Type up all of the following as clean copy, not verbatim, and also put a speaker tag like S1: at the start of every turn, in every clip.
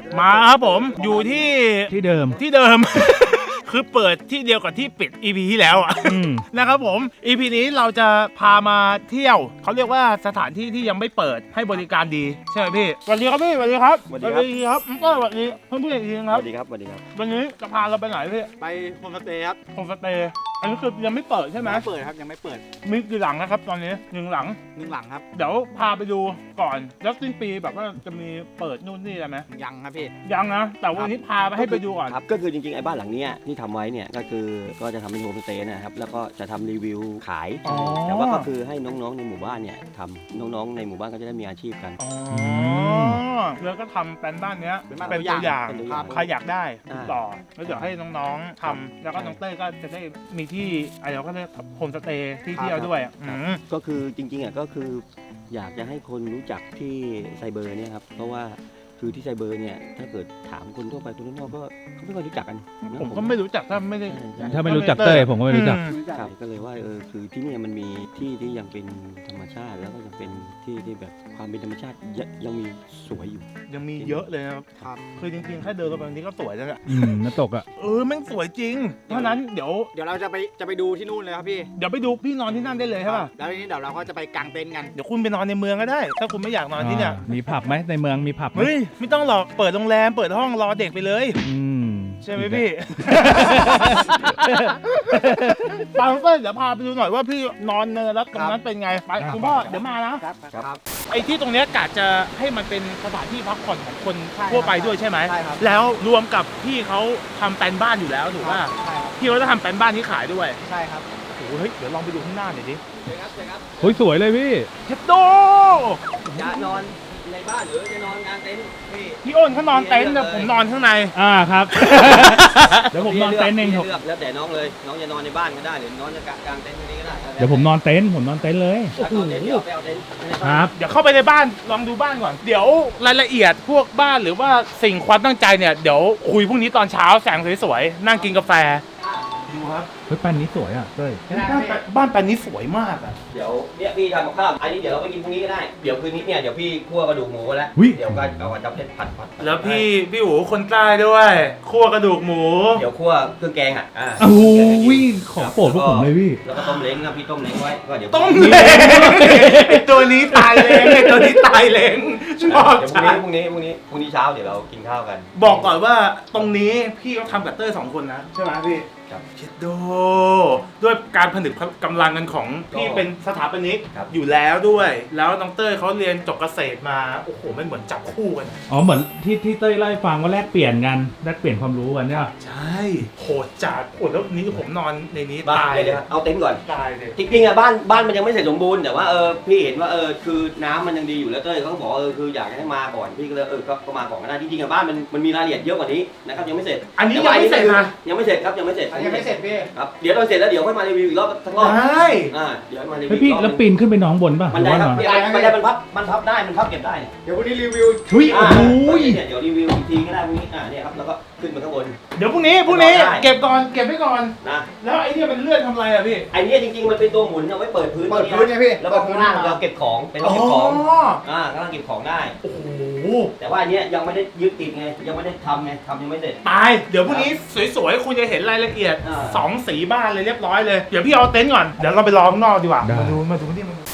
S1: มาครับผมอยู่ที่
S2: เดิม
S1: คือเปิดที่เดียวกับที่ปิด EP ที่แล้วอ่ะนะครับผม EP นี้เราจะพามาเที่ยวเขาเรียกว่าสถานที่ที่ยังไม่เปิดให้บริการดีใช่ไหมพี่สวัสดีครับพี่สวัสดีครับสวัสดีครับก็สวัสดีเพื่อนๆอีกทีครับสวัสดีครับวันนี้จะพาเราไปไหนพี่
S3: ไปโฮมสเตย์ครับ
S1: โฮมสเตย์อันนี้คือยังไม่เปิดใช่ไหม
S3: เปิดครับยังไม่เปิด
S1: มีกี่หลังนะครับตอนนี้1 หลัง
S3: ครับ
S1: เดี๋ยวพาไปดูก่อนแล้วสิ้นปีแบบว่าจะมีเปิดนู่นนี่อะไรไหม
S3: ยังครับพี่
S1: ยังนะแต่วันนี้พาไปให้ไปดูก่อน
S4: ครับก็คือจริงๆไอ้บ้านหลังนี้ที่ทำไว้เนี่ยก็คือก็จะทำเป็นโฮมสเตย์นะครับแล้วก็จะทำรีวิวขายแต่ว่าก็คือให้น้องๆในหมู่บ้านเนี่ยทำน้องๆในหมู่บ้านก็จะได้มีอาชีพกัน
S1: แล้วก็ทำเป็นบ้านเนี้ยเป็นตัวอย่างใครอยากได้ติดต่อแล้วเดี๋ยวให้น้องๆทำแล้วก็น้องเต้ยก็จะได้มีที่อะไรเราก็เรียกโฮมสเตย์ที่เที่ยวด้วย
S4: ก็คือจริงๆก็คืออยากจะให้คนรู้จักที่ไซเบอร์เนี่ยครับเพราะว่าคือที่ไซเบอร์เนี่ยถ้าเกิดถามคนทั่วไปคนนอกก็เขาไม่ค่อยรู้จักกัน
S1: ผมก็ไม่รู้จักถ้าไม่
S2: รู้จักเต้ยผมก็ไม่รู้จัก
S4: ครับก็เลยว่าคือที่นี่มันมีที่ที่ยังเป็นธรรมชาติแล้วก็ยังเป็นที่ที่แบบความเป็นธรรมชาติยังมีสวยอยู่
S1: ยังมีเยอะเลยนะครับคือจริงๆแค่เดินเข้าไปนี้ก็สวยแล้วแหละ
S2: น้ำตกอ่ะ
S1: แม่งสวยจริงเพราะนั้นเดี๋ยว
S3: เราจะไปดูที่นู่นเลยครับพี่
S1: เดี๋ยวไปดูพี่นอนที่นั่นได้เลยใช่ป่ะ
S3: แล้วทีนี้เดี๋ยวเราก็จะไปกางเต็นท์กัน
S1: เดี๋ยวคุณไปนอนในเมืองก็ได้ถ้าคุณไม่อยากนอนที่เนี่ย
S2: มีผับไหมในเมืองมีผับ
S1: เฮ้ยไม่ต้องหรอกเปิดโรงแรมเปิดห้องรอเด็กไปเลยใช่ไหมพี่ตามเพื่อนเดี๋ยวพาไปดูหน่อยว่าพี่นอนเนินแล้วตรงนั้นเป็นไงไปคุณพ่อเดี๋ยวมานะครับไอ้ที่ตรงนี้กะจะให้มันเป็นสถานที่พักผ่อนของคนทั่วไปด้วยใช่ไหมแล้วรวมกับพี่เขาทำแปลนบ้านอยู่แล้วถูกป่ะพี่เขาจะทำแปลนบ้านที่ขายด้วย
S3: ใช่ครับ
S1: โอ้โหเดี๋ยวลองไปดูข้างหน้าหน่อยดิ
S2: โอ้ยสวยเลยพี่
S1: เฮ็ดโด
S4: จะนอนในบ้านหรือจะนอนกลางเต็นท์
S1: พี่อ้นเขานอนเต็นท์แต่ผมนอนข้างใน
S2: ครับเดี๋ยวผมนอนเต็นท์เองครับ
S4: แล้วแต่น้องเลยน้องจะนอนในบ้านก็ได้หรือน้องจะกลางเต็นท์ตรงนี้ก็ได้
S2: เดี๋ยวผมนอนเต็นท์เลย
S4: ครับ
S1: เดี๋ยวเข้าไปในบ้านลองดูบ้านก่อนเดี๋ยวรายละเอียดพวกบ้านหรือว่าสิ่งความตั้งใจเนี่ยเดี๋ยวคุยพรุ่งนี้ตอนเช้าแสงสวยๆนั่งกินกาแฟดูครับ
S2: เฮ้ยแปลนนี้สวยอ่ะเต้ย
S1: บ้านแปลนนี้สวยมากอ่ะ
S4: เดี๋ยวเนี่ยพี่ทำกับข้าวอันนี้เดี๋ยวเราไปกินพรุ่งนี้ก็ได้เดี๋ยวคืนนี้เนี่ยเดี๋ยวพี่คั่วกระดูกหมูแล้วเดี๋ยวก็เอาจับเล็ดผัด
S1: แล้วพี่หูคนใต้ด้วยคั่วกระดูกหมู
S4: เดี๋ยวคั่วเครื่องแกง
S2: โอ้ยของโปรดพวกผมเลยพี่
S4: แล้วก็ต้มเล้งนะพี่ต้มเล้งไว้ก็เดี๋ยว
S1: ต้มเล้งตัวนี้ตายเล้งตัวนี้ตายเล้งชอบ
S4: เดี๋ยวพรุ่งนี้เช้าเดี๋ยวเรากินข้าวกัน
S1: บอกก่อนว่าตรงนี้พี่เขาทำกับเต้ย2 คนนะใช่ไหมพี่เชดโดด้วยการผนึกกำลังกันของพี่เป็นสถาปนิกอยู่แล้วด้วยแล้วน้องเต้ยเขาเรียนจบเกษตรมาโอ้โหไม่เหมือนจับคู่กัน
S2: เหมือนที่เต้ยเล่าให้ฟังว่าแลกเปลี่ยนความรู้กันเนี่ย
S1: ใช่โหดจัดโหดแล้วนี้ผมนอนในนี้ตาย
S4: เลยเอาเต็นท์ก่อน
S1: ตายเลย
S4: จริงๆบ้านมันยังไม่เสร็จสมบูรณ์แต่ว่าพี่เห็นว่าคือน้ำมันยังดีอยู่แล้วเต้ยเขาบอกคืออยากให้มาก่อนพี่ก็เลยก็มาก่อนก็ได้จริงๆบ้านมันมีรายละเอียดเยอะกว่านี้นะครับยังไม่เสร็จ
S1: อันนี้ยังไม่เสร็จนะ
S4: ยังไม่เสร็จครับยังไม่เสร็จ
S3: พี่
S4: ครับเดี๋ยวตอนเสร็จแล้วเดี๋ยวค่อยมารีวิวอีกรอบทั้งรอบ
S1: ได้
S4: เดี๋ยวมารีวิว
S2: พี่แล้วปีนขึ้นไปน้องบนป่ะ
S4: มันได้ครับมันได้มันพับได้มันพับเก็บได้
S3: เดี๋ยววันนี้รีวิว
S4: เดี๋ยวรีวิวอีกทีก็ได้พรุ่งนี้เนี่ยครับแล้วก็ขึ้นมาข้างบน
S1: เดี๋ยวพรุ่งนี้เก็บไว้ก่อนนะแล้วไอ้เนี่ยมันเลื่อนทำอะไรอ่ะพี่
S4: ไอ้เนี่ยจริงๆมันเป็นตัวหมุนเอาไว้เปิดพื้น
S3: เนี่ยพี่
S4: แล้วก็ข้างล่างเราเก็บของเป็นเก็บของข้างล่างเก็บของได้
S1: โอ้โห
S4: แต่ว่าอันนี้ยังไม่ได้ยึดติดไงยังไม่ได้ทำยังไม่เสร็จ
S1: ตายเดี๋ยวพรุ่งนี้สวยๆคุณจะเห็นรายละเอียด2 สีบ้านเลยเรียบร้อยเลยเดี๋ยวพี่เอาเต็นท์ก่อนเดี๋ยวเราไปรอข้างนอกดีกว่ามาดูที่มัน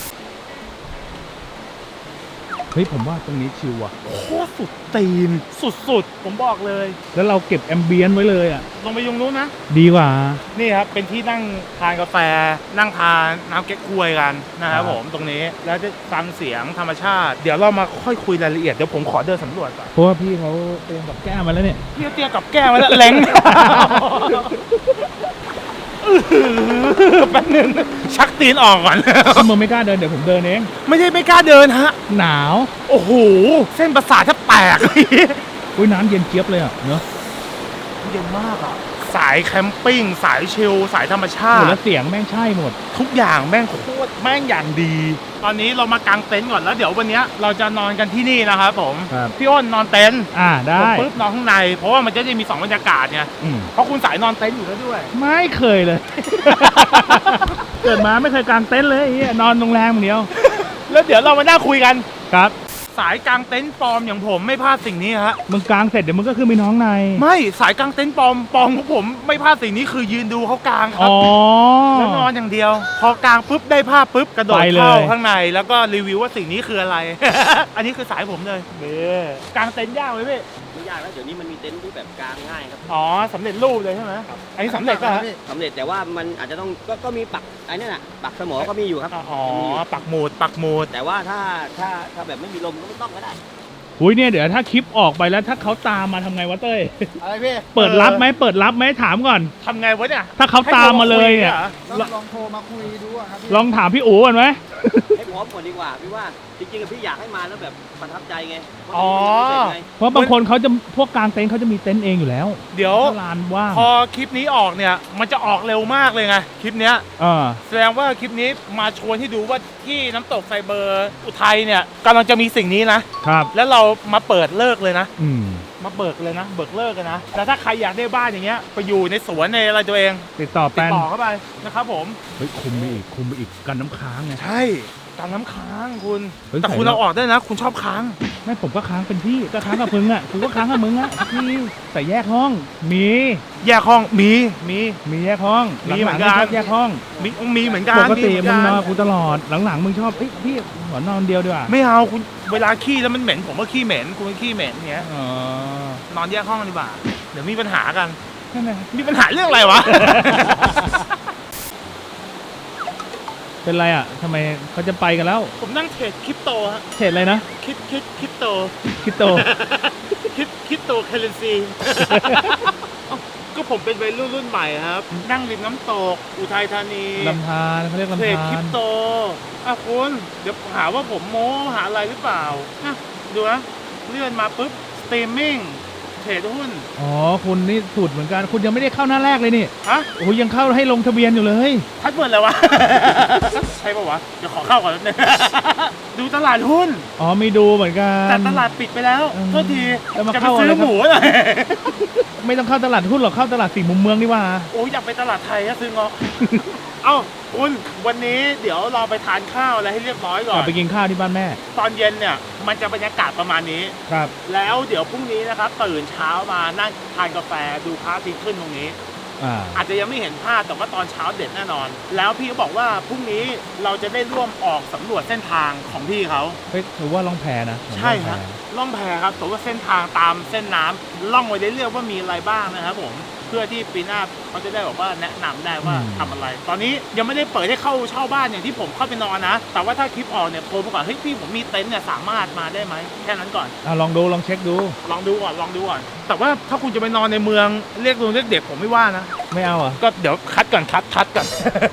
S2: เฮ้ยผมว่าตรงนี้ชิลว่ะ
S1: โคตรสุดตีนสุดผมบอกเลย
S2: แล้วเราเก็บแอมเบียนไว้เลยอ่ะ
S1: ลงไปยุงนู้นนะ
S2: ดีกว่า
S1: นี่ครับเป็นที่นั่งทานกาแฟนั่งทานน้ำเก๊กฮวยกันนะครับผมตรงนี้แล้วจะฟังเสียงธรรมชาติเดี๋ยวเรามาค่อยคุยรายละเอียดเดี๋ยวผมขอเดินสำรวจก่อน
S2: เพราะว่าพี่เขาเตรียมกับแก้มาแล้วเนี่ย
S1: พี่เตรียมกับแก้มาแล้วแหลงแป๊บนึงชักตีนออกก่อน
S2: มึงไม่กล้าเดินเดี๋ยวผมเดินเอง
S1: ไม่ใช่ไม่กล้าเดินฮะ
S2: หนาว
S1: โอ้โหเส้นประสาทแทบแตก
S2: อุ้ยน้ำเย็นเจี๊ยบเลยอ่ะเนอะ
S1: เย็นมากอ่ะสายแคมปิ้งสายชิลสายธรรมชาติ
S2: แล้วเสียงแม่งใช่หมด
S1: ทุกอย่างแม่งโคตรแม่งอย่างดีตอนนี้เรามากางเต็นท์ก่อนแล้วเดี๋ยววันนี้เราจะนอนกันที่นี่นะครับผมพี่อ้นนอนเต็นท์
S2: ได้
S1: ผมปุ๊บนอนข้างในเพราะว่ามันจะได้มี2 บรรยากาศไงเพราะคุณสายนอนเต็นท์อยู่แล้วด้วย
S2: ไม่เคยเลย เกิดมาไม่เคยกางเต็นท์เลยนอนโรงแรมอย่างเดียว
S1: แล้วเดี๋ยวเรามานั่งคุยกัน
S2: ครับ
S1: สายกลางเต็นท์ปลอมอย่างผมไม่พลาดสิ่งนี้ฮะ
S2: มึงกลางเสร็จเดี๋ยวมึงก็ขึ้นไปน้องใน
S1: ไม่สายกลางเต็นท์ปลอมของผมไม่พลาดสิ่งนี้คือยืนดูเขากลางครับ
S2: อ๋อ
S1: แล้วนอนอย่างเดียว พอกลางปุ๊บได้ภาพปุ๊บกระโดด
S2: ไปเลย
S1: เข้าข้างในแล้วก็รีวิวว่าสิ่งนี้คืออะไร อันนี้คือสายผมเลยกลางเต็นท์ยากไหมพี่
S4: ไม่ยากแล้วเดี๋ยวนี้มันมีเต็นท์ที่แบบกลางง่ายครับ
S1: อ๋อสำเร็จรูปเลยใช่ไหมอันนี้สำเร็จป่ะฮะ
S4: สำเร็จแต่ว่ามันอาจจะต้องก็มีปักไอ้นั่นน่ะปักสมอก็มีอยู่ครับ
S1: อ๋อ
S4: ยังมีอยู่
S1: ปักหมุด
S4: แต่ว่าถ้าแบบไม่มีลมก็ไม่ต้องก็ได้
S2: อุ้ยเนี่ยเดี๋ยวถ้าคลิปออกไปแล้วถ้าเขาตามมาทำไงวะเต้ย
S3: อะไรพี่
S2: เปิดรับไหมเปิดรับไหมถามก่อน
S1: ทำไงวะเนี่ย
S2: ถ้าเขาตามมาเลยเนี่ย
S3: ลองโทรมาคุยดูอะครับพี่
S2: ลองถามพี่อู๋ก่อนไหม
S4: ให้พร้อมก่อนดีกว่าพี่ว่าจริงๆพี่อยากให้มาแล้วแบบประทับใจไง
S1: อ๋อ
S2: เพราะบางคนเขาจะพวกกลางเต็นท์เขาจะมีเต็นท์เองอยู่แล้ว
S1: เดี๋ยว
S2: ถ้าลานว่าง
S1: พอคลิปนี้ออกเนี่ยมันจะออกเร็วมากเลยไงคลิปเนี้ย แสดงว่าคลิปนี้มาชวนให้ดูว่าที่น้ำตกไซเบอร์อุทัยเนี่ยกำลังจะมีสิ่งนี้นะ
S2: ครับ
S1: แล้วเรามาเปิดเลิกเลยนะ
S2: อืม
S1: มาเบิกเลยนะ เบิกเลิกกันนะแต่ถ้าใครอยากได้บ้านอย่างเงี้ยไปอยู่ในสวนในอะไรตัวเอง
S2: ติดต่อ
S1: ติ
S2: แป
S1: ด
S2: น
S1: ต่อเข้าไปนะครับผม
S2: เฮ้ยคุมไปอีกกันน้ำค้างไง
S1: ใช่การน้ำค้างคุณ
S2: เฮ้ย
S1: แต่คุณ
S2: ใส่แล้ว
S1: เอาออกได้นะ คุณชอบค้าง
S2: ไม่ผมก็ค้างเป็นพี่ก็ค้างกับมึงอ่ะกูก็ค้างกับมึงอ่ะพี่แต่แยกห้องมี
S1: แยกห้องมี
S2: มีแยกห้อง
S1: มีเหมือน
S2: ห
S1: กั
S2: ลังๆ
S1: น
S2: ชอบแยกห้อง
S1: มีเหมือนกัน
S2: ปกติ
S1: เห
S2: มึ
S1: อง น
S2: น
S1: กั
S2: อนกูตลอดหลังๆมึงชอบเอ้ยพี่ขอนอนเดียวดีกว่า
S1: ไม่เอาคุณเวลาขี้แล้วมันเหม็นผมก็ขี้เหม็นคุณก็ขี้เหม็นเงี้ย
S2: อ๋อน
S1: อนแยกห้องกันดีกว่าเดี๋ยวมีปัญหากัน
S2: ใช่ไหม
S1: มีปัญหาเรื่องอะไรวะ
S2: เป็นไรอ่ะทำไมเขาจะไปกันแล้ว
S1: ผมนั่งเทรดคริปโตฮะ
S2: เฉดอะไรนะ
S1: คริปโต
S2: คริปโต
S1: คริปโตเคอเรนซี ก็ผมเป็นวัยรุ่นใหม่ครับ นั่งริมน้ำตกอุทัยธานี
S2: ลำธารเขาเรียก
S1: เทร
S2: ลำ
S1: ดคริ
S2: ธาร
S1: ปโตคุณเดี๋ยวหาว่าผมโม้หาอะไรหรือเปล่าอ่ะดูนะเลื่อนมาปุ๊บสตรีมมิ่งเทรดหุ้น
S2: อ๋อคุณนี่สูตรเหมือนกันคุณยังไม่ได้เข้าหน้าแรกเลยนี่
S1: ฮะ
S2: โอ้ยยังเข้าให้ลงทะเบียนอยู่เลย
S1: พัดเบิร์ดแล้ววะ ใช่ปะวะ เดี๋ยวขอเข้าก่อนนิดนึง ดูตลาดหุ้น
S2: อ๋อมีดูเหมือนกัน
S1: แต่ตลาดปิดไปแล้ว
S2: อืม
S1: โทษที
S2: แล้วมา
S1: จะไป
S2: เข้า
S1: ซื้
S2: อะไร
S1: อ
S2: ครับ
S1: หมูหน่อย
S2: ไม่ต้องเข้าตลาดหุ้นหรอกเข้าตลาดสี่มุมเมืองดีกว่า
S1: โอ้ยอยากไปตลาดไทยอะซื้อเงาะ เอ้าคุณวันนี้เดี๋ยวเราไปทานข้าวอะไรให้เรียบร้อยก่
S2: ก
S1: อ
S2: ลับ
S1: น
S2: ไปกินข้าวที่บ้านแม่
S1: ตอนเย็นเนี่ยมันจะบรรยากาศประมาณนี้
S2: ครับ
S1: แล้วเดี๋ยวพรุ่งนี้นะครับตื่นเช้ามานั่งทานกาแฟดูพระอาทิตย์ขึ้นตรงนี้ อาจจะยังไม่เห็นภาพแต่ว่าตอนเช้าเด็ดแน่นอน แล้วพี่ก็บอกว่าพรุ่งนี้เราจะได้ร่วมออกสำรวจเส้นทางของพี่เขา
S2: เฮ้ยถือว่าล่องแพนะ
S1: ใช่ครับล่องแพครับแต่ว่าเส้นทางตามเส้นน้ำล่องไว้เรื่อยๆว่ามีอะไรบ้างนะครับผมเพื่อที่ปีหน้าเขาจะได้บอกว่าแนะนำได้ว่าทำอะไร ตอนนี้ยังไม่ได้เปิดให้เข้าเช่าบ้านอย่างที่ผมเข้าไปนอนนะ แต่ว่าถ้าคลิปออกเนี่ยโทรมาก่อนเฮ้ยพี่ผมมีเต็นท์เนี่ยสามารถมาได้ไหมแค่นั้นก่อน
S2: ลองดูลองเช็คดู
S1: ลองดูก่อนแต่ว่าถ้าคุณจะไปนอนในเมืองเรียกลุงเรียกเด็กผมไม่ว่านะ
S2: ไม่เอาอ่ะ
S1: ก็เดี๋ยวคัดก่อนคัดก่อน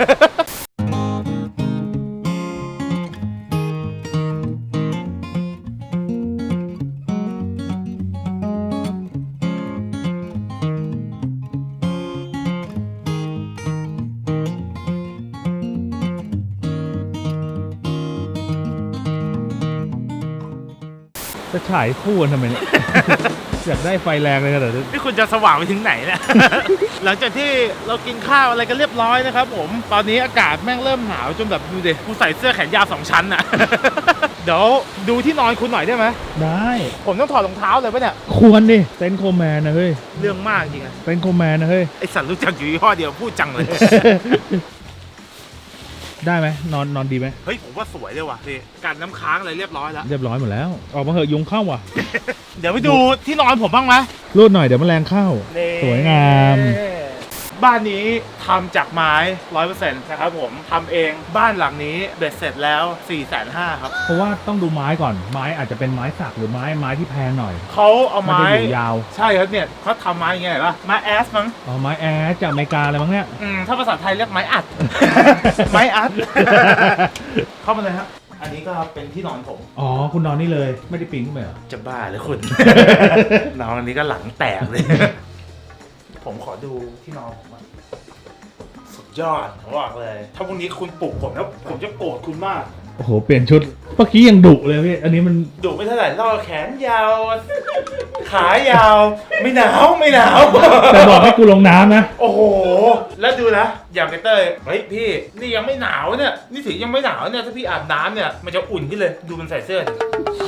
S2: จะฉายคู่กันทำไมเนี่ย อยากได้ไฟแรงเลยนะเดี๋ยว
S1: นี่คุณจะสว่างไปถึงไหนเนี่ย หลังจากที่เรากินข้าวอะไรกันเรียบร้อยนะครับผมตอนนี้อากาศแม่งเริ่มหนาวจนแบบดูดิกูใส่เสื้อแขนยาว2 ชั้นอ่ะ เดี๋ยวดูที่นอนคุณหน่อยได้ไหม
S2: ได้
S1: ผมต้องถอดรองเท้าเลยปะเนี่ย
S2: ควรดิเต็นท์โคแมนนะเฮ้ย
S1: เรื่องมากจริงอะ
S2: เต็นท์โคแมนนะเฮ้ย
S1: ไอสัตว์รู้จักอยู่ยี่ห้อเดียวพูดจังเลย
S2: ได้ไหมนอนดีไหม
S1: เฮ้ยผมว่าสวยเลยว่ะพี่กันน้ำค้างอะไรเรียบร้อยแล้ว
S2: เรียบร้อยหมดแล้ว ออกมาเหอะยุงเข้าว่ะ
S1: เดี๋ยวไปดูที่นอนผมบ้างไหม
S2: รูดหน่อยเดี๋ยวแมลงเข้า สวยงาม
S1: บ้านนี้ทำจากไม้ 100% นะครับผมทำเองบ้านหลังนี้เบ็ดเสร็จแล้ว 450,000 ครับ
S2: เพราะว่าต้องดูไม้ก่อนไม้อาจจะเป็นไม้สักหรือไม้ที่แพงหน่อย
S1: เขาเอา
S2: มัน
S1: ไม้
S2: จะอยู่ยาว
S1: ใช่ครับเนี่ยเขาทำไม้ยังไงป่ะไม้แอสมั้ง
S2: อ๋อไม้แอร์จากอเมริกาอะไรมั้งเนี่ย
S1: ถ้าภาษาไทยเรียกไม้อัด ไม้อัด เข้ามาเลยครับอันนี้ก็เป็นที่นอนผม
S2: อ๋อคุณนอนนี่เลยไม่ได้ปีนขึ้นไปเหรอ
S1: จะบ้าเลยคุณ นอนอันนี้ก็หลังแตกเลย ผมขอดูที่นอนผมอะสุดยอดผมบอกเลย ถ้าพรุ่งนี้คุณปลุกผมแล้วผมจะโกรธคุณมาก
S2: โอ้โหเปลี่ยนชุดเมื่อกี้ยังดุเลยพี่อันนี้มัน
S1: ดูไม่เท่าไหร่ล่อแขนยาว ขายาว ไม่หนาวไม่หนาว
S2: แต่บอกให้กูลงน้ำนะ
S1: โอ้โห แล้วดูนะ อย่างไอเต้ยเฮ้ยพี่ นี่ยังไม่หนาวเนี่ย นี่ถึงยังไม่หนาวเนี่ย ถ้าพี่อาบน้ำเนี่ย มันจะอุ่นขึ้นเลย ดูมันใส่เสื้อดิ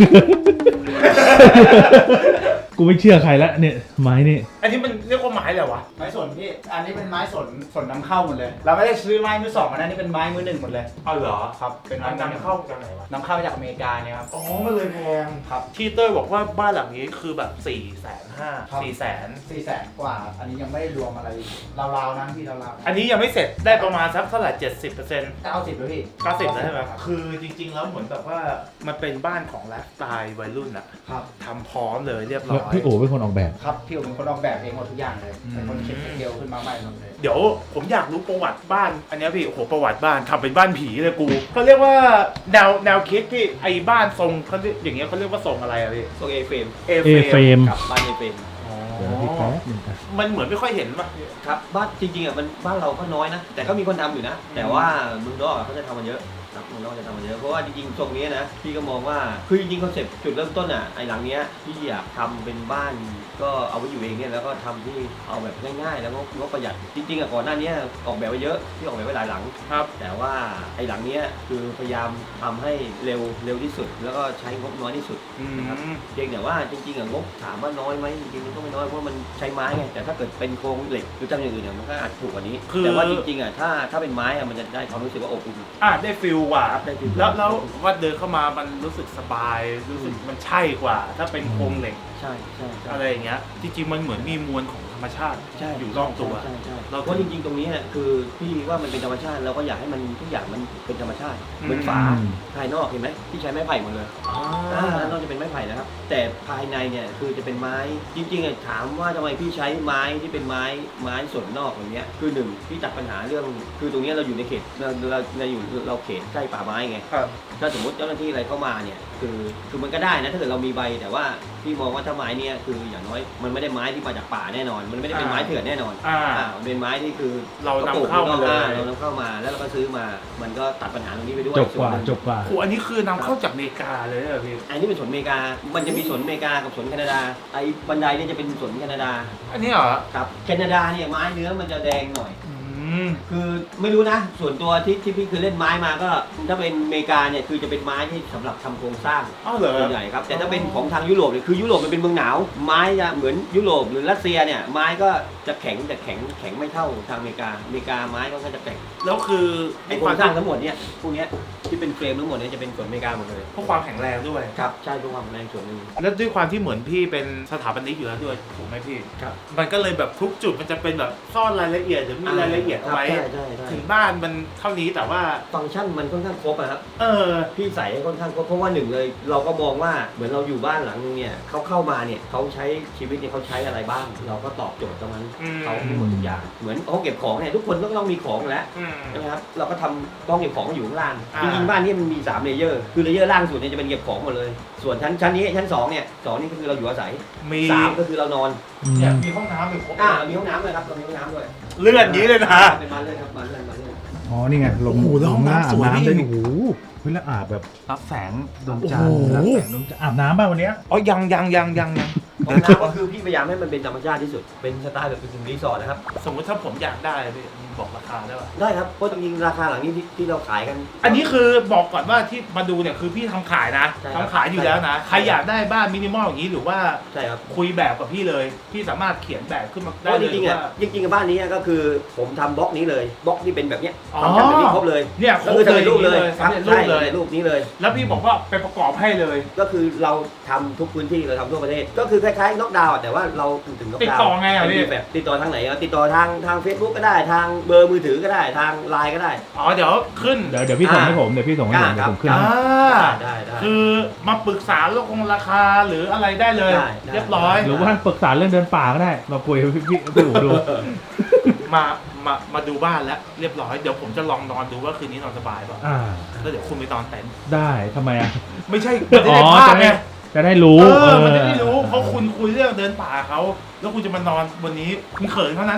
S2: กูไม่เชื่อใครละเนี่ยไม้นี่
S1: อันนี้มันเรียกว่าไม้อะไรวะ
S3: ไม้สนพี่ อันนี้เป็นไม้สนนำเข้าหมดเลย เราไม่ได้ซื้อไม้มือสองมานะนี่เป็นไม้มือหนึ่งหมดเลย
S1: เอาเหรอ
S3: ครับ เป็นไม้
S1: มันนำเข้าจากไหนวะ
S3: นำเข้าจากอเมริกาเนี่ยครับ
S1: อ๋อ มันเลยแพง
S3: ครับ
S1: ที่เต้ยบอกว่าบ้านหลังนี้คือแบบ450,000 400,000
S3: 400,000 กว่า อันนี้ยังไม่ได้รวมอะไรราวๆนะพี่ราวๆ
S1: อันนี้ยังไม่เสร็จได้ประมาณสักเท่าไหร่ 70%
S3: 90แล้วพี่
S1: 90แล้วใช่ไหมครับคือจริงๆแล้วเหมือนแบบว่ามันเป็นบ้านของไลฟ์สไตล์วัยรุ่นอะ
S3: ครับ
S1: ทำพร้อมเลยเรียบร้
S2: แล้ว
S1: อย
S2: พี่โอเป็นคนออกแบบ
S3: ครับพี่ผมเป็นคนออกแบบเองหมดทุกอย่างเลย เป็นคนคิดสเกลขึ้นมาใหม่หมดเลย
S1: เดี๋ยวผมอยากรู้ประวัติบ้าน อันเนี้ยพี่โอ้โหประวัติบ้านทำเป็นบ้านผีเลยกูเขาเรียกว่าแนวคิดพี่ไอ้บ้านทรงเขาเรียกอย่างเงี้ยเขาเรียกว่าทรงอะไรอะพี่
S4: ทรงเอเฟรม
S1: เอ
S2: เอเฟรม
S4: กับบ้านเอเฟรม
S2: เดี๋ยวพี่แป๊บนึงครับ
S1: มันเหมือนไม่ค่อยเห็นป่ะ
S4: ครับบ้านจริงๆอ่ะมันบ้านเราก็น้อยนะ แต่ก็มีคนทำอยู่นะ แต่ว่าเมืองนอกอ่ะเขาจะทำมันเยอะครับเมืองนอกจะทำมันเยอะเพราะว่าจริงๆทรงนี้นะพี่ก็มองว่าคือจริงๆคอนเซ็ปต์จุดเริ่มต้นอ่ะไอ้หลังเนี้ยพี่อยากทำเป็นบ้านก็เอาไว้อยู่เองเนี่ยแล้วก็ทำที่เอาแบบง่ายๆแล้วก็ประหยัดจริงๆอ่ะก่อนหน้านี้ออกแบบไว้เยอะที่ออกแบบไว้หลายหลัง
S1: ครับ
S4: แต่ว่าไอ้หลังเนี้ยคือพยายามทำให้เร็วที่สุด แล้วก็ใช้งบน้อยที่สุด
S1: อืม
S4: นะครับเพียงแต่ว่าจริงๆอะงบถามว่าน้อยไหมจริงๆมันก็ไม่น้อยเพราะมันใช้ไม้ไงแต่ถ้าเกิดเป็นโครงเหล็กหรือจำอย่างอื่นเนี่ยมันก็อาจถูกกว่านี้ แต่ว่าจริงๆอะถ้าเป็นไม้อะมันจะได้ความรู้สึกว่าอบอุ่น
S1: ได้ฟิลกว่า
S4: ได้ฟิล
S1: แล้วว่าเดินเข้ามามันรู้สึกสบายรู้สึกมันใช่กว่า ถ้าเป็นโครงเหล็ก
S4: ใช่ใช่ใช่
S1: อะไรอย่างเงี้ยจริงๆมันเหมือนมีมวลของธรรมชาติ
S4: ใช่
S1: อยู่รอบตัว
S4: ใช่ใช่
S1: เรา
S4: เพราะจริงๆตรงนี้อะคือพี่ว่ามันเป็นธรรมชาติเราก็อยากให้มันทุกอย่างมันเป็นธรรมชาติเหมือนฝาภายนอกเห็นไหมที่ใช้ไม้ไผ่หมดเลย ด้านนอกจะเป็นไม้ไผ่นะครับ แต่ภายในเนี่ยคือจะเป็นไม้จริงๆอ่ะถามว่าทำไมพี่ใช้ไม้ที่เป็นไม้ส่วนนอกอย่างเงี้ยคือหนึ่งพี่ตัดปัญหาเรื่องคือตรงเนี้ยเราอยู่ในเขตเราเขตใกล้ป่าไม้ไง
S1: ครับ
S4: ถ้าสมมติเจ้าหน้าที่อะไรเข้ามาเนี่ยคือมันก็ได้นะถ้าเกิดเรามีใบแต่ว่าพี่มองว่าถ้าไม้เนี่ยคืออย่างน้อยมันไม่ได้ไม้ที่มาจากป่าแน่นอน มันไม่ได้เป็นไม้เถื่อนแน่นอนมันเป็นไม้ที่คือ
S1: เรานำเข้ามาเลย
S4: เรานำเข้ามาแล้วเราก็ซื้อมามันก็ตัดปัญหาตรงนี้ไปด้วย
S2: จบกว่า
S4: ส่นหนึ่ง
S2: จบกว่า
S1: โอ้อันนี้คือนำเข้าจากอเมริกาเลยเหรอพี่
S4: อันนี้เป็นสวนอเมริกา มันจะมีสวนอเมริกากับสวนแคนาดา ไอ้บันไดเนี่ยจะเป็นสวนแคนาดา
S1: อันนี้เหรอ
S4: ครับ แคนาดาเนี่ยไม้เนื้อมันจะแดงหน่อย
S1: อืม
S4: คือไม่รู้นะ ส่วนตัวที่พี่คือเล่นไม้มาก็ ถ้าเป็นอเมริกาเนี่ยคือจะเป็นไม้ที่สำหรับทำโครงสร้าง
S1: อ้าวเหรอ
S4: ส่วนใหญ่ครับ แต่ถ้าเป็นของทางยุโรปเนี่ยคือยุโรปมันเป็นเมืองหนาว ไม้จะเหมือนยุโรปหรือรัสเซียเนี่ยไม้ก็จะแข็งแต่แข็งไม่เท่าทางอเมริกา อเมริกาไม้ก็จะแข็ง
S1: แล้วคือ
S4: ไอ้โครงสร้างทั้งหมดเนี่ยพวกเนี้ยที่เป็นเฟรมทั้งหมดเนี่ยจะเป็นสวนอเมริกาหมดเลย
S1: เพราะความแข็งแรงด้วย
S4: ครับ ใช่เพื่อความแรงส่วนหนึ่ง
S1: แล้วด้วยความที่เหมือนพี่เป็นสถาปนิกอยู่แล้วด้วยถูกไหมพี่
S4: ครับ
S1: มันก็เลยแบบทุกจุดมันจะเป็นแบบซ่อนรายละเอียดหรือมีรายละเอียดเอาไว้
S4: ใช่ใช่
S1: ถึงบ้านมันเท่านี้แต่ว่า
S4: ฟังก์ชันมันค่อนข้างครบอะครับ
S1: เออ
S4: พี่ใส่ให้ค่อนข้างครบเพราะว่าหนึ่งเลย เราก็มองว่าเหมือนเราอยู่บ้านหลังนึงเนี่ยเขาเข้ามาเนี่ยเขาใช้ชีวิตเนี่ยเขาใช้อะไรบ้าง เราก็ตอบโจทย์ตรงนั้น
S1: อืม
S4: เขามีหมดทุกอย่างเหมือนห้องเก็บของเนี่ยทุกคนต้องมีของอยู่แล้ว
S1: อืม
S4: ใช่ไหมครับเราก็ทำห้องเก็บของอยู่ข้างล่าง
S1: อ่า
S4: จริงๆบ้านนี้มันมี3เลเยอร์คือเลเยอร์ล่างสุดเนี่ยจะเป็นเก็บของหมดเลย ส่วนชั้นนี้ชั้น2เนี่ย2นี่ก็คือเราอยู่อาศัย
S1: มี
S4: 3ก็คือเรานอน
S1: เนี่ยมีห้องน้ำอยู่ครบ
S4: มีห้องน้ำเลยครับเรามีห้องน้ำด้วย
S1: เลื่อนอย่างนี้เลยนะ
S4: เป็นบ้านเลยครับบ้านเลย
S2: อ๋อนี่ไงลง
S1: โอ้โหแล้วห้องน้ำสวย
S2: อาบน้ำ
S1: นี่
S2: ได้โอ้โหเฮ้ยแล้วอาบแบบรับแสงดวงจันท
S1: โอ้
S2: ร์
S1: โห
S2: รับแสงดวงจันทร์อาบน้ำป่ะวันเนี้ย
S1: อ๋อยัง
S4: ห้องน้ำก็คือพี่พยายามให้มันเป็นธรรมชาติที่สุดเป็นสไตล์แบบเป็นรีสอร์ทนะครับ
S1: สมมติถ้าผมอยากได้พี่บอกราคาได้ป่ะ
S4: ได้ครับ เพราะจริงๆราคาหลังนี้ที่เราขายกัน
S1: อันนี้คือบอกก่อนว่าที่มาดูเนี่ยคือพี่ทำขายนะ
S4: ใช่ครับ
S1: ทำขายอยู่แล้วนะ
S4: ใช่
S1: ใครอยากได้บ้านมินิมอลอย่างนี้หรือว่า
S4: ใช่ครับ
S1: คุยแบบกับพี่เลย พี่สามารถเขียนแบบขึ้นมา
S4: เพ
S1: ได้
S4: ราะ
S1: เล
S4: จ
S1: ย
S4: ริงๆอ่ะ
S1: ว่า
S4: จริงๆกับบ้านนี้ก็คือผมทำบล็อกนี้เลยบล็อกที่เป็นแบบเนี้ย
S1: อ๋อ
S4: ทำแบบนี้ครบเลย
S1: เนี่ยคร
S4: ก็
S1: บ
S4: คือ
S1: เล
S4: ทำ
S1: ย
S4: เป็นรูปเลย
S1: สำเร็จรูปเลย
S4: ใช่รูปนี้เลย
S1: แล้วพี่บอกว่าไปประกอบให้เลย
S4: ก็คือเราทำทุกพื้นที่เราทำทั่วประเทศ ก็คือคล้ายๆน็อกดาวน์แต่ว่าเราถึงน็อก
S1: ติด
S4: ดาว
S1: ต่อ
S4: น์
S1: ไงอ่ะพี่
S4: แบบติดต่อทางไหนติดต่อทาง Facebook ก็ได้ทางเบอร์มือถือก็ได้ทางไลน์ก็ได้
S1: อ๋อเดี๋ยวขึ้น
S2: เดี๋ยวพี่ส่งให้ผมเดี๋ยวพี่ส่งให้ผมเดี๋ยวผมขึ้น
S1: อ่า
S2: ให้
S4: ได้
S1: คือมาปรึกษาเรื่องของราคาหรืออะไรได้เลย
S4: ได้
S1: เรียบร้อย
S2: หรือว่าปรึกษาเรื่องเดินป่าก็ได้มาคุยกับพี่อู๋ดู
S1: มาดูบ้านแล้วเรียบร้อยเดี๋ยวผมจะลองนอนดูว่าคืนนี้นอนสบายป่ะ
S2: อ่า
S1: แล้วเดี๋ยวคุณไปนอนเต็นท์
S2: ได้ทำไมอ่ะ
S1: ไม่ใช่มันจะได้ภาพไง
S2: จะได้รู้
S1: มันจะได้รู้เพราะคุณคุยเรื่องเดินป่าเขาแล้วคุณจะมานอนวันนี้คุณเขินเท่านั้นเนี่ย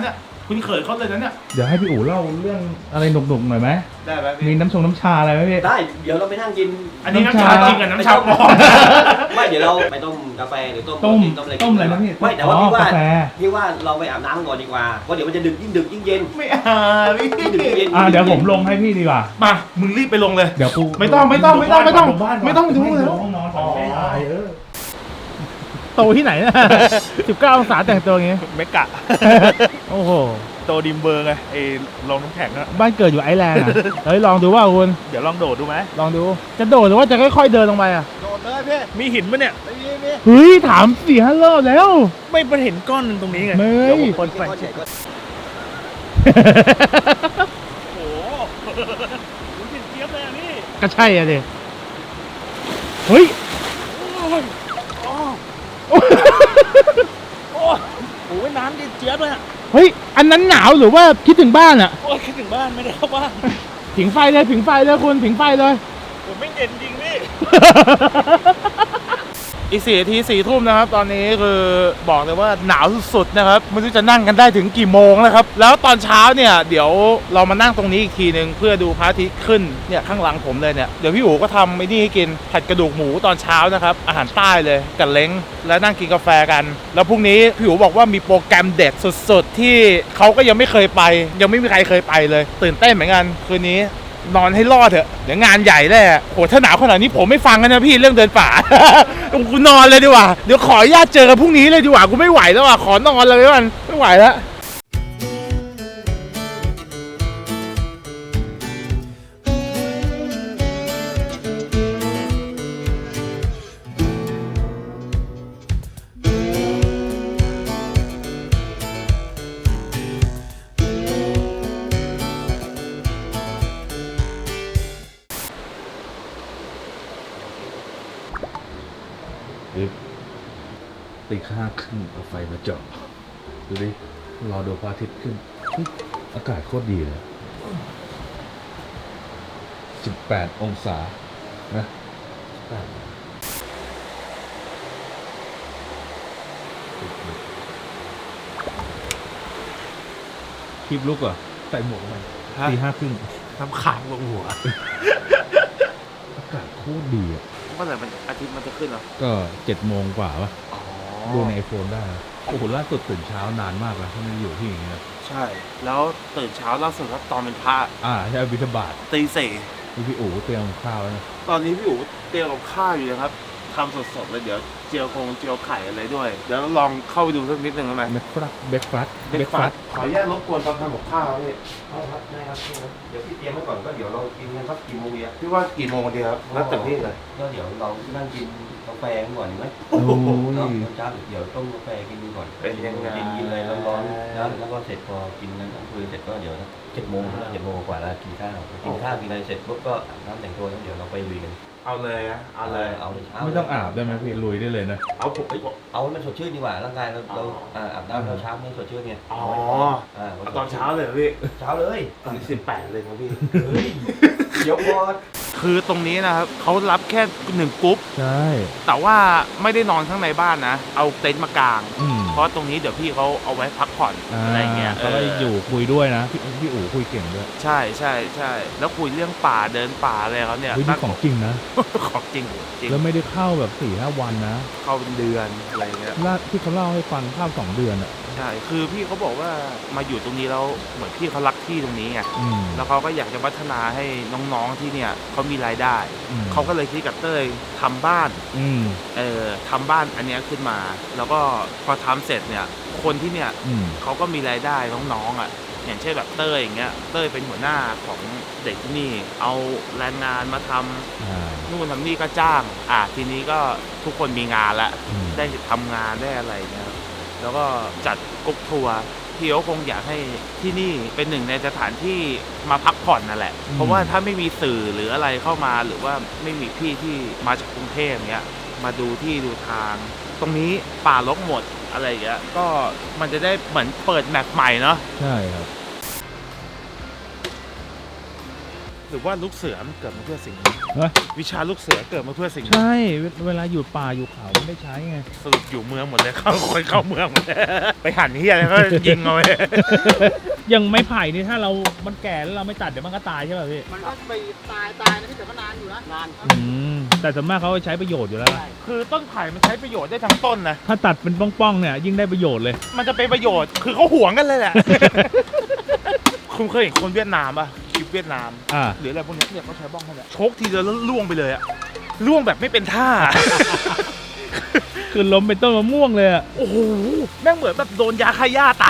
S1: คุณเขินเขาเลยนะเนี่ย
S2: เดี๋ยวให้พี่อู๋เล่าเรื่องอะไรหนุกๆหน่อยไหม
S1: ได้ไหม
S2: มี
S1: พี่
S2: น้ำชาอะไรไหมพี่
S4: ได้เดี๋ยวเราไปนั่งกิน
S1: อันนี้น้ำชาจริงกับน้ำชาปลอม
S4: ไม่เดี๋ยวเราไปต้มกาแฟหรือต้ม
S2: ต้ม
S4: อะไร
S2: ต้มอะไรนะพี่
S4: ไม่แต่ว่าพี่ว่าก
S2: าแฟ
S4: พี่ว่าเราไปอาบน้ำก่อนดีกว่าเพราะเดี๋ยวมันจะดึกยิ่งเย็น
S1: ไม่พี่
S4: ยิ่งดึกยิ่งเย็น
S2: เดี๋ยวผมลงให้พี่ดีกว่า
S1: มามึงรีบไปลงเลย
S2: เดี๋ยวกู
S1: ไม่ต้องดูเลย
S2: ห้องนอนก่อนไม่ได้โตที่ไหนนะ 19 องศาแต่งตัวอย่างงี้
S5: เมกะ
S2: โอ้โห
S5: โตดิมเบอร์ไงไอ้ลงน้ำแข็งอะ
S2: บ้านเกิดอยู่ไอร์แลนด์อ่ะ เฮ้ยลองดูว่าคุณ
S5: เดี๋ยวลองโดดดูไหม
S2: ลองดู จะโดดหรือว่าจะค่อยๆเดินลงไปอ่ะ
S3: โดดเลยพี่
S5: มีหินปะเนี่ย
S3: ไม่มี
S2: เฮ้ยถาม4-5 รอบแล้ว
S5: ไม่ไปเห็นก้อนหนึ่งตรงนี้ไง
S2: ไม่
S5: เดี๋ยวผมคนไป โอ้โหรู้สึกเจี๊ยบเลยอ่ะพี่
S2: ก็ใช่อ่ะดิเฮ้ย
S5: โอ้โหน้ำเจี๊ยบเลยอ่ะ
S2: เฮ้ย อันนั้นหนาวหรือว่าคิดถึงบ้านอ่ะ
S5: โอ้ยคิดถึงบ้านไม่ได้เข้าบ้าน
S2: ผิงไฟเลยผิงไฟเลยคุณผิงไฟเลย
S5: ผมไม่เย็นจริงพี่
S1: อีก4 นาที 4 ทุ่มนะครับ ตอนนี้คือบอกเลยว่าหนาวสุดๆนะครับไม่รู้จะนั่งกันได้ถึงกี่โมงนะครับ แล้วตอนเช้าเนี่ยเดี๋ยวเรามานั่งตรงนี้อีกทีนึงเพื่อดูพระอาทิตย์ขึ้นเนี่ยข้างหลังผมเลยเนี่ยเดี๋ยวพี่อู๋ก็ทำไอ้นี่ให้กินผัดกระดูกหมูตอนเช้านะครับอาหารใต้เลยกับเล้งแล้วนั่งกินกาแฟกัน แล้วพรุ่งนี้พี่อู๋บอกว่ามีโปรแกรมเด็ดสุดๆที่เขาก็ยังไม่เคยไป ยังไม่มีใครเคยไปเลย ตื่นเต้นเหมือนกันคืนนี้ นอนให้รอดเถอะเดี๋ยวงานใหญ่แน่โหถ้าหนาวขนาดนี้ผมไม่ฟังกันนะพี่เรื่องเดินป่า กูนอนเลยดีกว่าเดี๋ยวขออนุญาตเจอกันพรุ่งนี้เลยดีกว่ากูไม่ไหวแล้วอ่ะขอนอนเลยมันไม่ไหวแล้ว
S2: ตี5 ครึ่งเอาไฟมาเจาะดูดิรอดูพระอาทิตย์ขึ้นอากาศโคตรดีเลย18 องศานะคลิปลุกเหรอใส่หมวกมาตี 5 ครึ่ง
S1: น้ำขังลงหัว
S2: อากาศโคตรดีอ่ะ
S1: เมื่อไหร่มันอาทิตย์มันจะขึ้นเหรอ
S2: ก็7 โมงกว่าปะดูในไอโฟนได้นะโอ้โหล่าสุดตื่นเช้านานมากแล้วที่มันอยู่ที่อย่างเงี้ย
S1: ใช่แล้วตื่นเช้าล่าสุดครับตอนเป็นพระ
S2: ใช่บิณฑบาต
S1: ตีสี่
S2: พี่อู๋เตรียมข้าวไว้นะ
S1: ตอนนี้พี่อู๋เตรียมกับข้าวอยู่นะครับทำสดๆเลยเดี๋ยวเจียวไข่อะไรด้วยเดี๋ยวลองเข้าไปดูสักนิดนึงได้ไหม
S2: เบรกฟาสต์
S1: ขออนุญาตรบกวนตอนทำกับข้าวพี่
S4: เอาครับได้ครับเดี๋ยวพี่เตรียมไว้ก่อนก็เดี๋ยวเรากินกันสักกี่โมงดีอะ
S1: พี่ว่ากี่โมงดีครับแล้วแต่พี่เลย
S4: ก็เดี๋ยวเรานั่งกินกาแฟกันก่อนดีไหม
S2: โอ้
S4: เนาะ
S2: ย
S4: เช้าเดี๋ยวต้มกาแฟกินก่อน
S1: เป็นยังไง
S4: กินอะไรร้อนๆแล้วก็เสร็จพอกินนั้นคุยเสร็จก็เดี๋ยว7 โมงแล้ว7 โมงกว่าแล้วกินข้าวกินอะไรเสร็จปุ๊บก็อาบน้ำแต่งตัวแล้วเดี๋ยวเราไปลุยกัน
S1: เอาเลยนะเอาเลย
S4: เอาเลยเช้า
S2: ไม่ต้องอาบได้ไหมพี่ลุยได้เลยนะ
S1: เอาผม
S4: เอาให้มันสดชื่นดีกว่าร่างกายเราอาบน้ำเราเช้าไม่สดชื่นไง
S1: อ๋อ
S4: อ่า
S1: เอาตอนเช้าเลยเหรอพี่
S4: เช้าเลย
S1: ตอน18เลยครับพี่
S4: เฮ้ยเดี๋ยวพอ
S1: คือตรงนี้นะครับเขารับแค่1กรุ๊ป
S2: ใช่
S1: แต่ว่าไม่ได้นอนข้างในบ้านนะ เอาเต็นท์มากาง
S2: อืม
S1: เพราะตรงนี้เดี๋ยวพี่เขาเอาไว้พักผ่อนอะไรเงี้ย
S2: เขาก็อยู่คุยด้วยนะพี่อู๋คุยเก่งด้วย
S1: ใช่แล้วคุยเรื่องป่าเดินป่าอะไรเขาเนี่ย
S2: เฮ้ยนี่ของจริงนะ
S1: ของจริงจริง
S2: แล้วไม่ได้เข้าแบบ4-5 วันนะ
S1: เข้าเป็นเดือนอะไรเงี้ย
S2: ที่เขาเล่าให้ฟังเข้า2 เดือนอ่ะ
S1: ใช่คือพี่เขาบอกว่ามาอยู่ตรงนี้แล้วเหมือนพี่เขารักที่ตรงนี้ไง
S2: อืม
S1: แล้วเขาก็อยากจะพัฒนาให้น้องๆที่เนี่ยเขามีรายได้
S2: อืม
S1: เขาก็เลยคิดกับเต้ยทำบ้าน
S2: อืม
S1: ทำบ้านอันเนี้ยขึ้นมา แล้วก็พอทำเสร็จเนี่ยคนที่เนี่ย
S2: อืม
S1: เขาก็มีรายได้น้องๆอ่ะอย่างเช่นแบบเต้ยอย่างเงี้ยเต้ยเป็นหัวหน้าของเด็กที่นี่เอาแรงงานมาทำนู่นทำนี่ก็จ้างทีนี้ก็ทุกคนมีงานแล้ว
S2: อืม
S1: ได้ทำงานได้อะไรเนี่ยครับแล้วก็จัดกรุ๊ปทัวร์พี่เขาคงอยากให้ที่นี่เป็นหนึ่งในสถานที่มาพักผ่อนนั่นแหละ เพราะว่าถ้าไม่มีสื่อหรืออะไรเข้ามาหรือว่าไม่มีพี่ที่มาจากกรุงเทพเนี้ยมาดูที่ดูทาง ตรงนี้ป่ารกหมดอะไรอย่างเงี้ยก็มันจะได้เหมือนเปิดแมปใหม่เนาะ
S2: ใช่ครับ
S1: รรือว่าลูกเสือมันเกิดมาเพื่อสิ่งนี้
S2: ฮะ
S1: วิชาลูกเสือเกิดมาเพื่อสิ่งนี้
S2: ใช่เวลาอยู่ป่าอยู่เขาไม่ได้ใช้ไง
S1: สรุปอยู่เมืองหมดเลย เข้าคนเข้าเมืองหมดเลยไปหั่นเฮียแล้วก็ยิงเอาไว้
S5: ยังไม้ไผ่นี่ถ้ามันแก่แล้วเราไม่ตัดเดี๋ยวมันก็ตายใช่ป่ะพี่
S3: มันก็ไปตายนะพี่แต่ก็นานอยู่นะนาน
S5: แต่ส่วนมากเขาใช้ประโยชน์อยู่แล้วล่ะ
S1: คือต้นไผ่มันใช้ประโยชน์ได้ทั้งต้นนะ
S5: ถ้าตัดเป็นป้องๆเนี่ยยิ่งได้ประโยชน์เลย
S1: มันจะเป็นประโยชน์คือเขาหวงกันเลยแหละ คุณเคยเห็นคนเวียดนามป่ะคลิปเวียดนาม หรืออะไรพวกนี้เนี่ยเขาใช้บ้องแค่นี้ชกทีเดียวแล้วล่วงไปเลยอะล่วงแบบไม่เป็นท่า
S5: คือล้มเป็นต้นมะม่วงเลยอะ
S1: โอ้โหแม่งเหมือนแบบโดนยาฆ่าหญ้าตาย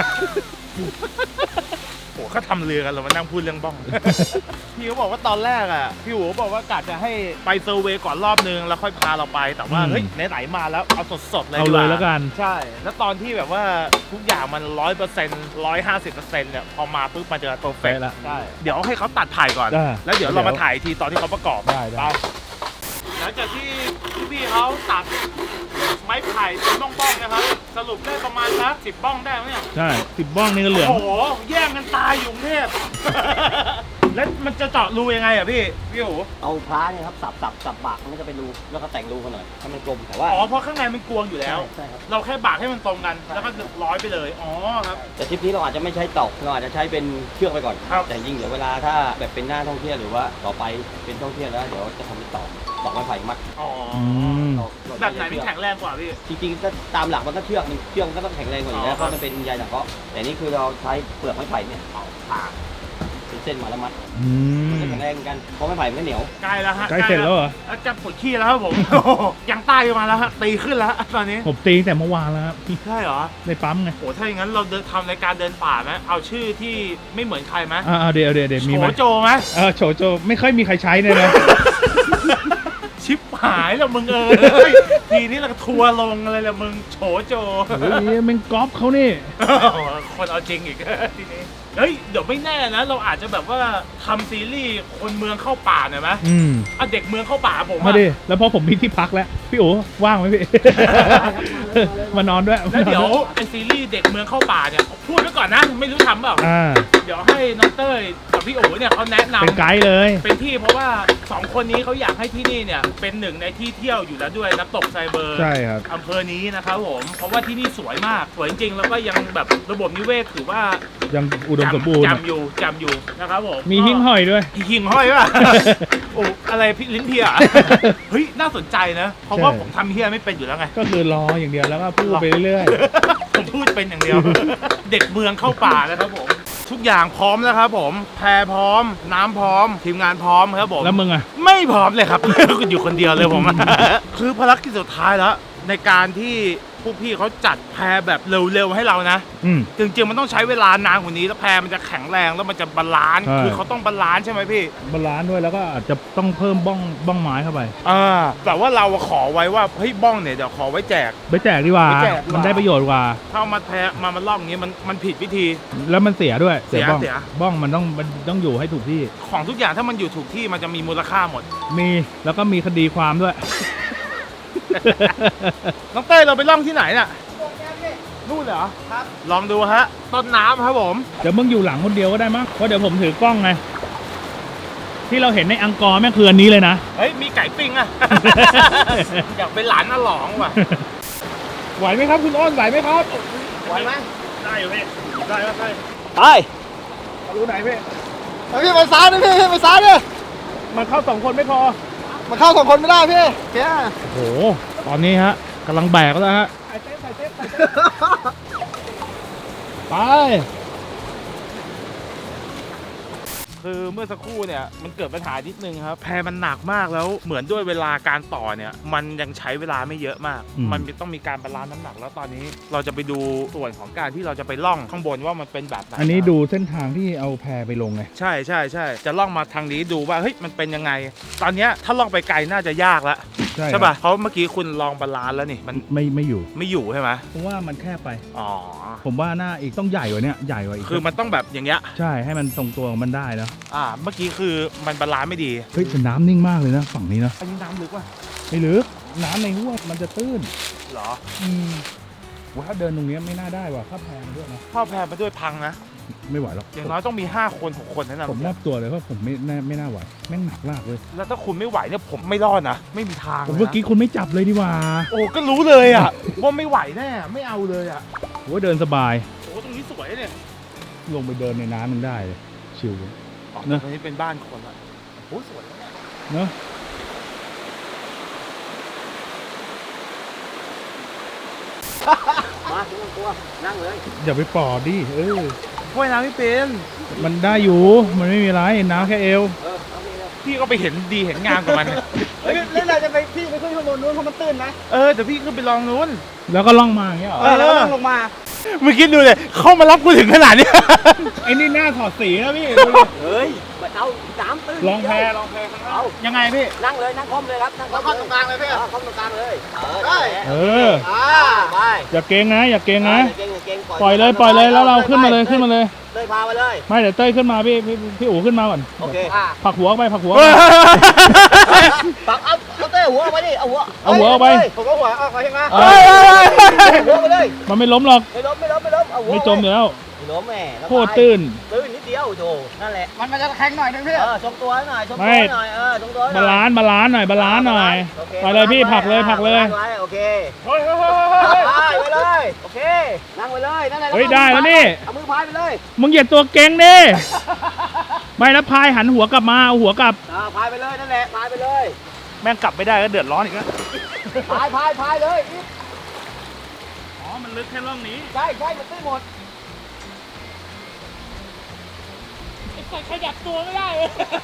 S1: โอ้เขาทำเรือกันเรามานั่งพูดเรื่องบ้อง พี่เขาบอกว่าตอนแรกอ่ะพี่หูบอกว่ากะจะให้ไปเซอร์เวย์ก่อนรอบนึงแล้วค่อยพาเราไปแต่ว่าเฮ้ยไหนๆมาแล้วเอาสดๆเลย
S5: เอา
S1: ดี
S5: เลย
S1: ว่า
S5: แล้วกัน
S1: ใช่ แล้วตอนที่แบบว่าทุกอย่างมัน100% 150%เนี่ยพอมาปุ๊บมันจะเพอร์เฟก
S5: เป๊ะละ
S1: ใช่เดี๋ยวให้เขาตัดถ่ายก่อน
S5: ได้
S1: แล้วเดี๋ยวเรามาถ่ายอีกทีตอนที่เขาประกอบ
S5: ได้
S1: หลังจากที่พี่เขาตัดไม้ไผ่เป็นบ้องๆนะครับสรุปได้ประมาณสัก10 บ้องได้ไหมเนี่ย
S5: ใช่10 บ้องนี่ก็เหลือง
S1: โอ้โหแย่งกันตายอยู่กรุงเทพ แล้วมันจะเจาะรูยังไงอ่ะพี่โอ๋
S4: เอาพระเนี่ยครับสับบากมันก็จะเป็นรูแล้วก็แต่งรูกันหน่อยให้มันกลมแต่ว่า
S1: อ๋อเพราะข้างในมันกวงอยู่แล้ว
S4: ใช่ครับ
S1: เราแค่บากให้มันตรงกันแล้วก็ร้อยไปเลยอ๋อครับ
S4: แต่ทริปนี้เราอาจจะไม่ใช้ตอกเราอาจจะใช้เป็นเชือกไปก่อน
S1: ครับ
S4: แต่ยิ่งเดี๋ยวเวลาถ้าแบบเป็นหน้าท่องเที่ยวหรือว่าต่อไปเป็นท่องเที่ยวแล้วเดี๋ยวจะทำเป็นตอกไม้ไผ่มัด
S1: อ๋อ
S4: เรา
S1: แบบไหนมันแข็งแรงกว่าพี่
S4: จริงๆก็ตามหลักมันก็เชือกมันก็ต้องแข็งแรงกว่าอยู่แล้วเพราะมันเป็นใยสังเคราะห์แต่นี่คือเราใช้เปลือกไม้ไผ่เนี่ยผ่าเป็นเส้นมาแล้วมัด มันจะแข็งแรงกันเพราะไม้ไผ่มันไม่เหนียว
S1: ใกล้แล้วฮะ
S5: ใกล้เสร็จแล้วเหรอ
S1: จะปวดขี้แล้วครับผม ยังใต้มาแล้วฮะตีขึ้นแล้วตอนนี้
S5: ผมตีตั้งแต่เมื่อวานแล้วครับ
S1: ใช่เหรอ
S5: ในปั๊มไง
S1: โหถ้าอย่างนั้นเราทำรายการเดินป่าไหมเอาชื่อที่ไม่เหมือนใครไหม
S5: เดี๋ยวมีไหม
S1: โฉโจไหม
S5: โฉโจไม่ค่อยมีใครใช้เลยนะ
S1: ชิปหายแล้วมึงเอ้ย ทีนี้เราทัวร์ลงอะไรละมึงโฉโจ
S5: เฮ้ยมันก๊อปเขานี่
S1: คนเอาจริงอีก ทีนี้เฮ้ยเดี๋ยวไม่แน่นะ เราอาจจะแบบว่าทำซีรีส์คนเมืองเข้าป่าหน่อยไหมเอาเด็กเมืองเข้าป่าผม
S5: มา
S1: อะ
S5: ดิแล้วพอผมมีที่พักแล้วพี่โอ๋ว่างไหมพี่ มานอนด้วย
S1: แล้วเดี๋ยวเป็นซีรีส์เด็กเมืองเข้าป่าเนี่ยพูดไว้ก่อนนะไม่รู้ทำเปล่า เดี๋ยวให้น้องเต้ยกับพี่โอ๋เนี่ยเขาแนะนำ
S5: เป็นไกด์เลย
S1: เป็นที่เพราะว่า2คนนี้เขาอยากให้ที่นี่เนี่ยเป็นหนึ่งในที่เที่ยวอยู่แล้วด้วยน้ำตกไซเบอร์
S5: ใช่ครับ
S1: อำเภอนี้นะครับผมเพราะว่าที่นี่สวยมากสวยจริงๆแล้วก็ยังแบบระบบนิเวศถือว่า
S5: ยังอุดมสมบูรณ์
S1: จำอยู่นะครับผม
S5: มีหิ้งห้อยด้วย
S1: หิ่งห้อยป่ะ โอ้อะไรพี่ลิ้นเพีย เฮ้ยน่าสนใจนะเพราะว่า
S5: ใช่
S1: ผมทำเฮียไม่เป็นอยู่แล้วไง
S5: ก็คือรออย่างเดียวแล้วก็พูดไปเรื่อย
S1: ผมพูดเป็นอย่างเดียว เด็กเมืองเข้าป่านะครับผม ทุกอย่างพร้อมแล้วครับผมแพรพร้อม น้ำพร้อม ทีมงานพร้อมครับผม
S5: ๆ แล้วมึงอ่ะ
S1: ไม่พร้อมเลยครับ อยู่คนเดียวเลยผม คือภารกิจสุดท้ายแล้ว ในการที่พวกพี่เขาจัดแพรแบบเร็วๆให้เรานะ จริงๆมันต้องใช้เวลานานกว่านี้แล้วแพรมันจะแข็งแรงแล้วมันจะบาลานซ์
S5: ใช่
S1: คือเขาต้องบาลานซ์ใช่ไหมพี่
S5: บาลานซ์ด้วยแล้วก็อาจจะต้องเพิ่มบ้องไม้เข้าไป
S1: แต่ว่าเราขอไว้ว่าเฮ้ยบ้องเนี่ยเดี๋ยวขอไว้แจก
S5: ไปแจกดีกว่า
S1: ไปแจกดีกว่ามั
S5: มันได้ประโยชน์กว่า
S1: ถ้าเอามาแพรมาล่องอย่างนี้มันผิดวิธี
S5: แล้วมันเสียด้วย
S1: เสีย
S5: บ้อง
S1: เสีย
S5: บ้องมันต้องอยู่ให้ถูกที่
S1: ของทุกอย่างถ้ามันอยู่ถูกที่มันจะมีมูลค่าหมด
S5: มีแล้วก็มีคดีความด้วย
S1: น้องเต้ยเราไปล่องที่ไหนน่ะนู่นเหรอครับลองดูฮะต้นน้ำครับผม
S5: เดี๋ยวมึงอยู่หลังคนเดียวก็ได้มั้งเพราะเดี๋ยวผมถือกล้องไง ที่เราเห็นในอังกอร์แม่งคืออันนี้เลยนะ
S1: เฮ้ยมีไก่ปิ้งอะ อยากเป็นหลานอาหลองว่ะ
S5: ไหวไหมครับคุณอ้นไหวไหมครับ
S1: ไหวไหมได้อยู่พี่ได้
S4: ไป
S5: รู้ไหนพี่
S3: พี่ไปซ้ายนะพี่ไปซ้ายดิ
S5: มันเข้า2 คนไม่พอ
S3: มันเข้า2 คนไม่ได้พี่แก
S5: โอ้โหตอนนี้ฮะกำลังแบกแล้วฮะไป
S1: คือเมื่อสักครู่เนี่ยมันเกิดปัญหานิดนึงครับแพมันหนักมากแล้วเหมือนด้วยเวลาการต่อเนี่ยมันยังใช้เวลาไม่เยอะมาก มันต้องมีการบาลานซ์น้ำหนักแล้วตอนนี้เราจะไปดูส่วนของการที่เราจะไปล่องข้างบนว่ามันเป็นแบบไหน
S5: อันนี้ดูเส้นทางที่เอาแพไปลงไง
S1: ใช่จะล่องมาทางนี้ดูว่าเฮ้ยมันเป็นยังไง ตอนเนี้ยถ้าล่องไปไกลน่าจะยากแล้วใช่ป่ะเพราะเมื่อกี้คุณลองบาลานซ์แล้วนี่มัน
S5: ไม่อยู่
S1: ไม่อยู่ใช่ไหม
S5: ผมว่ามันแคบไป
S1: อ๋อ
S5: ผมว่าหน้าอีกต้องใหญ่กว่านี้ใหญ่กว่าอีก
S1: คือมันต้องแบบอย่างเงี้ย
S5: ใช่ให้มันตรงตัวของมันได้นะ
S1: เมื่อกี้คือมันบาลานซ์ไม่ดี
S5: เฮ้ยแต่น้ำนิ่งมากเลยนะฝั่งนี้นะ
S1: อันนี้น้ำลึกว่ะ
S5: ไม่ลึกน้ำในห้วยมันจะตื้น
S1: เหรอ
S5: ว่าถ้าเดินตรงนี้ไม่น่าได้ว่ะถ้าแพงด้วยนะ
S1: เข้าแพมาด้วยพังนะ
S2: ไม่ไหวหรอก
S1: อย่างน้อยต้องมี5 คน6 คนนั่นนะ
S2: ผมมอบตัวเลยว่าผมไม่น่าไหวแม่งหนักมากเลย
S1: แล้วถ้าคุณไม่ไหวเนี่ยผมไม่รอดนะไม่มีทาง
S2: ผม
S1: ลยนะ
S2: เมื่อกี้คุณไม่จับเลยดีกว่า
S1: โอ้ก็รู้เลยอ่ะว่าไม่ไหวแน่ไม่เอาเลยอ่ะ
S2: โอ้เดินสบาย
S1: โอ้ตรงนี้สวยเนี่ย
S2: ลงไปเดินในน้ำมันได้เลยชิล
S1: อ๋อ
S2: เนอะ
S1: ตรงนี้เป็นบ้านคนอ่ะโอ้สวยนะเนี่ย
S2: เนอะ
S4: มาไม่ต้องกลัวนั่งเลย
S2: อย่าไปปอดดิ
S1: ว่ายน้ำไม่เป็น
S2: มันได้อยู่มันไม่มีไรน้ำแค่เอว
S4: เอาไปเลย
S1: พี่ก็ไปเห็นดีเห็นงามกับมันเนี่ย
S3: แล้วเราจะไปพี่ไปขึ้นข้างบนนู้นเพราะมันตื้นนะ
S1: เดี๋ยวพี่ขึ้นไปลองนู้น
S2: แล้วก็ล่องมาอย่างเงี้ยเหรอ
S3: แล้วต้องลงมา
S1: เมื่อกี้ดูเลยเข้ามารับกูถึงขนาดนี้
S2: ไอ้นี่หน้าถอดสีนะพี่
S4: เฮ้ยมาเอาน้ำตื้น
S2: ลองแพ
S4: ลองแพข้างล่าง
S1: ยังไงพี่
S4: นั่งเลยนั่งคอมเลยครับนั่ง
S3: แล้วเข้าตรงกลางเลยพี่
S4: คอมตรงกลางเลย
S3: ได้
S2: เออ
S4: ไป
S2: อย่าเกรงนะอย่าเกรงนะ
S4: เก่งเก่ง
S2: ปล่อยเลยแล้วเราขึ้นมาเลยขึ้นมาเลย
S4: เลยพาไปเลย
S2: ไม่เดี๋ยวเต้ยขึ้นมาพี่อู๋ขึ้นมาก่อน
S4: โอเค
S2: ผลักหัวออกไปผลักหัว
S4: ปักเอาเต้หัวออกไปดิเอาหัว
S2: เอาหัวออกไป
S3: ผมก็หัวออกไปใช่ไหม
S4: หัวไปเลย
S2: มันไม่ล้มหรอก
S4: ไม่ล้มเอาหัว
S2: ไม่จมอยู่แล้ว
S4: ไม่ล้มแม่
S2: โคตรตื้น
S4: นิดเดียวโถนั่นแหละ
S3: มันจะแข็งหน่อยนึงพี่
S4: ชมตัวหน่อยชมตัวหน่อยทรงตัว
S2: บาลานซ์หน่อยไปเลยพี่ผลักเลย
S4: โอเค
S1: เฮ้ย
S4: ไปเลยโอเคนั่งไปเลยนั่นแหละ
S2: เฮ้ยได้แล้วนี่
S4: เอามือพายไปเลย
S2: มึงอย่าตัวเก่งดิไม่แล้วพายหันหัวกลับมาเอาหัวกลับ
S4: พายไปเลยนั่นแหละพายไปเลย
S1: แม่งกลับไม่ได้ก็เดือดร้อนอีกแล้ว
S4: พายเลย
S2: อ๋อมันลึกแค่ร่องนี้
S4: ใช่มันตื้นหมด
S1: ขยับตัวไม่ได้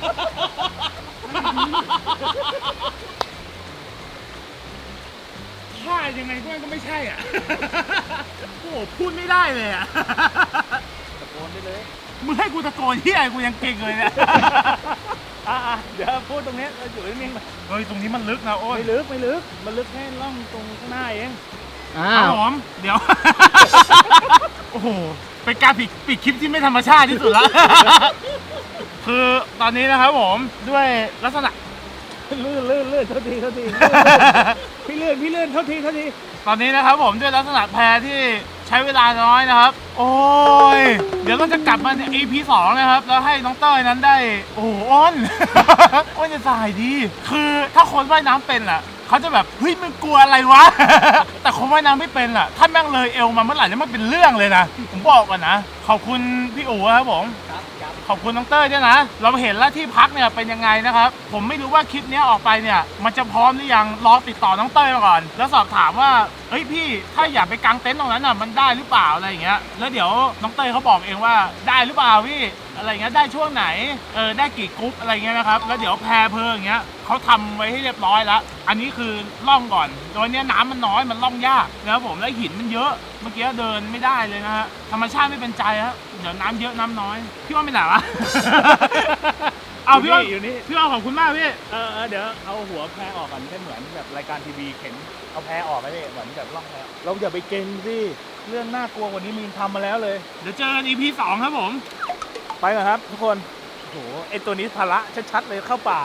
S1: ท่ายังไงก็ไม่ใช่อ่ะ โอ้โหพูดไม่ได้เลยอ่ะ
S4: ตะโกนได้เลย
S1: มึงให้กูตะโกนที่ไอ้กูยังเก่งเลยเนี่ย
S2: เดี๋ยวพูดตรงนี้เราอยู่นิ่งๆ
S1: เฮ้ยตรงนี้มันลึกนะโอ้ย
S2: ไม่ลึกมันลึกแค่ร่องตรงข้างหน้าเอง
S1: ครับผมเดี๋ยว โอ้โหเป็นการปิดคลิปที่ไม่ธรรมชาติที่สุดแล้ว คือตอนนี้นะครับผมด้วยลักษณะ
S2: ลื่นโทษทีพี่ลื่นโทษที
S1: ตอนนี้นะครับผมด้วยลักษณะแพที่ใช้เวลาน้อยนะครับ โอ้ยเดี๋ยวเราจะกลับมาใน EP 2นะครับแล้วให้น้องเต้ยนั้นได้โอ้โหอ้น อ้นจะสายดี คือถ้าคนว่ายน้ำเป็นล่ะเขาจะแบบเฮ้ยมึงกลัวอะไรวะ แต่คนว่ายน้ำไม่เป็นล่ะถ้าแม่งเลยเอวมาเมื่อไหร่แล้วมันเป็นเรื่องเลยนะผมบอกก่อนนะขอบคุณพี่อู๋ครับผมขอบคุณน้องเต้ยด้วยนะเราเห็นแล้วที่พักเนี่ยเป็นยังไงนะครับผมไม่รู้ว่าคลิปนี้ออกไปเนี่ยมันจะพร้อมหรือยังรอติดต่อน้องเต้ยมาก่อนแล้วสอบถามว่าเฮ้ยพี่ถ้าอยากไปกางเต็นท์ตรงนั้นน่ะมันได้หรือเปล่าอะไรอย่างเงี้ยแล้วเดี๋ยวน้องเต้ยเขาบอกเองว่าได้หรือเปล่าพี่อะไรเงี้ยได้ช่วงไหนได้กี่กรุ๊ปอะไรเงี้ยนะครับแล้วเดี๋ยวแพรเพลิงอย่างเงี้ยเขาทำไว้ให้เรียบร้อยแล้วอันนี้คือล่องก่อนโดยเนี้ยน้ำมันน้อยมันล่องยากนะครับผมแล้วหินมันเยอะเมื่อกี้เดินไม่ได้เลยนะฮะธรรมชาติไม่เป็นใจครับเดี๋ยวน้ำเยอะน้ำน้อยพี่ว่าไม่ไหนวะ เอาพี่ว่า
S2: อยู่นี่
S1: พี่ว่าขอบคุณมากพี่
S2: เดี๋ยวเอาหัวแพออกก่อนให้เหมือนแบบรายการทีวีเข็นเอาแพออกไปเลยเหมือนแบบล่องแพเราอย่าไปเก่งสิเรื่องน่ากลัวกว่านี้มีทำมาแล้วเลย
S1: เดี๋ยวเจอกัน EP 2 ครับผม
S2: ไปก่อนครับทุกคนโอ้โหไอตัวนี้ภาระชัดๆเลยเข้าป่า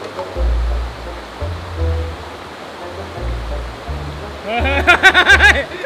S1: เ